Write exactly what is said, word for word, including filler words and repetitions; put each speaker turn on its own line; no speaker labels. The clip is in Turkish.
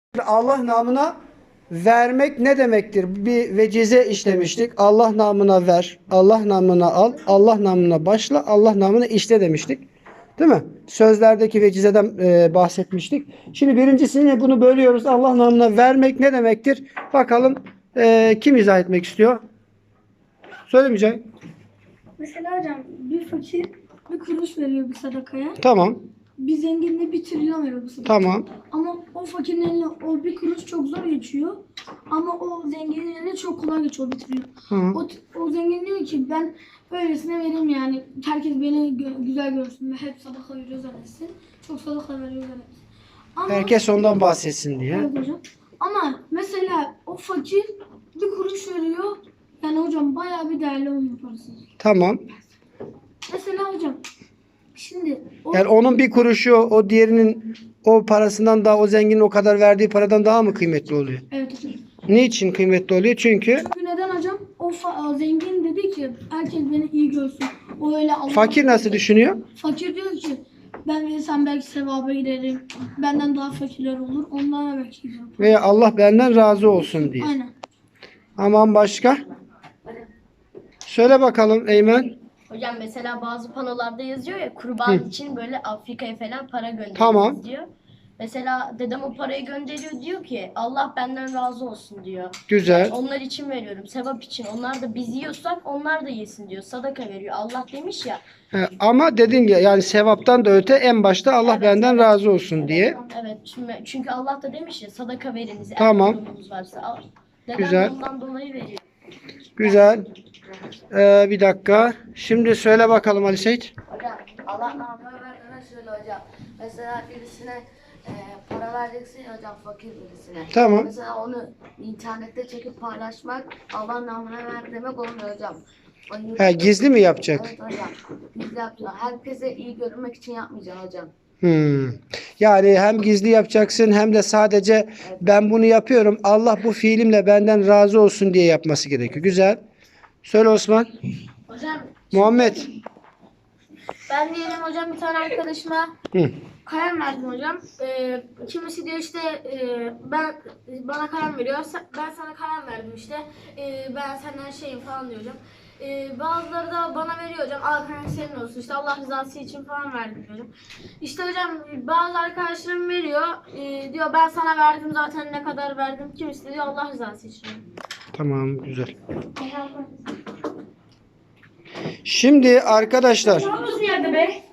Allah namına vermek ne demektir? Bir vecize işlemiştik. Allah namına ver, Allah namına al, Allah namına başla, Allah namına işle demiştik. Değil mi? Sözlerdeki vecizeden e, bahsetmiştik. Şimdi birincisini bunu bölüyoruz. Allah namına vermek ne demektir? Bakalım e, kim izah etmek istiyor? Söylemeyeceğim.
Mesela hocam bir fakir bir kuruş veriyor bir sadakaya.
Tamam.
Bir zengin de bir trilyon veriyor bu sadakaya.
Tamam.
Ama o fakirin eline o bir kuruş çok zor geçiyor. Ama o zenginin eline çok kolay geçiyor o bir trilyon.
Hı.
O, o zengin diyor ki ben böylesine vereyim yani. Herkes beni gö- güzel görsün ve hep sadaka veriyor zannetsin. Çok sadaka veriyor zannetsin. Ama,
Herkes ondan bahsetsin diye.
evet hocam. Ama mesela o fakir bir kuruş veriyor. Yani hocam bayağı bir değerli onun parası.
Tamam.
Mesela hocam şimdi o,
Yani onun bir kuruşu o diğerinin o parasından daha, o zenginin o kadar verdiği paradan daha mı kıymetli oluyor?
evet hocam.
Niçin kıymetli oluyor? Çünkü
Çünkü neden hocam? O, fa- o zengin dedi ki herkes beni iyi görsün. O öyle Allah.
fakir nasıl düşünüyor?
Fakir diyor ki ben verirsem belki sevaba girerim. Benden daha fakirler olur. Ondan belki giderim.
Veya Allah benden razı olsun diye.
Aynen.
Aman başka? Söyle bakalım Eymen.
Hocam mesela bazı panolarda yazıyor ya kurban için böyle Afrika'ya falan para gönderiyoruz
Tamam.
diyor. Mesela dedem o parayı gönderiyor diyor ki Allah benden razı olsun diyor.
Güzel.
Onlar için veriyorum sevap için. Onlar da biz yiyorsak onlar da yesin diyor. Sadaka veriyor. Allah demiş ya.
He, ama dedin ya yani sevaptan da öte en başta Allah
Evet,
benden
evet.
razı olsun diye.
Evet çünkü, çünkü Allah da demiş ya sadaka veriniz. eğer
Tamam.
durumunuz varsa. Al. Dedem
Güzel.
ondan dolayı veriyor.
Güzel. Ee, bir dakika. Şimdi söyle bakalım Ali Seyit.
Hocam Allah namına verdiğine şöyle hocam. Mesela birisine e, para vereceksin ya hocam fakir birisine.
Tamam.
Mesela onu internette çekip paylaşmak Allah namına ver demek olmuyor hocam. O
He, gizli mi yapacak?
Evet hocam. Gizli yapacaksın. Herkese iyi görünmek için yapmayacaksın hocam.
Hmm. Yani hem gizli yapacaksın hem de sadece ben bunu yapıyorum. Allah bu fiilimle benden razı olsun diye yapması gerekiyor. Güzel. Söyle Osman.
Hocam
Muhammed.
ben diyelim hocam bir tane arkadaşıma
Hı.
kalem verdim hocam. Ee, kimisi diyor işte e, ben bana kalem veriyor. Sen- Ben sana kalem verdim işte. Ee, ben senden şeyim falan diyor hocam. Ee, bazıları da bana veriyor hocam. Al kalem senin olsun. İşte Allah rızası için falan verdim hocam. İşte hocam bazı arkadaşlarım veriyor. Ee, diyor ben sana verdim zaten ne kadar verdim. Kimisi de diyor Allah rızası için.
Tamam, güzel. Şimdi arkadaşlar
Nasıl yerde be?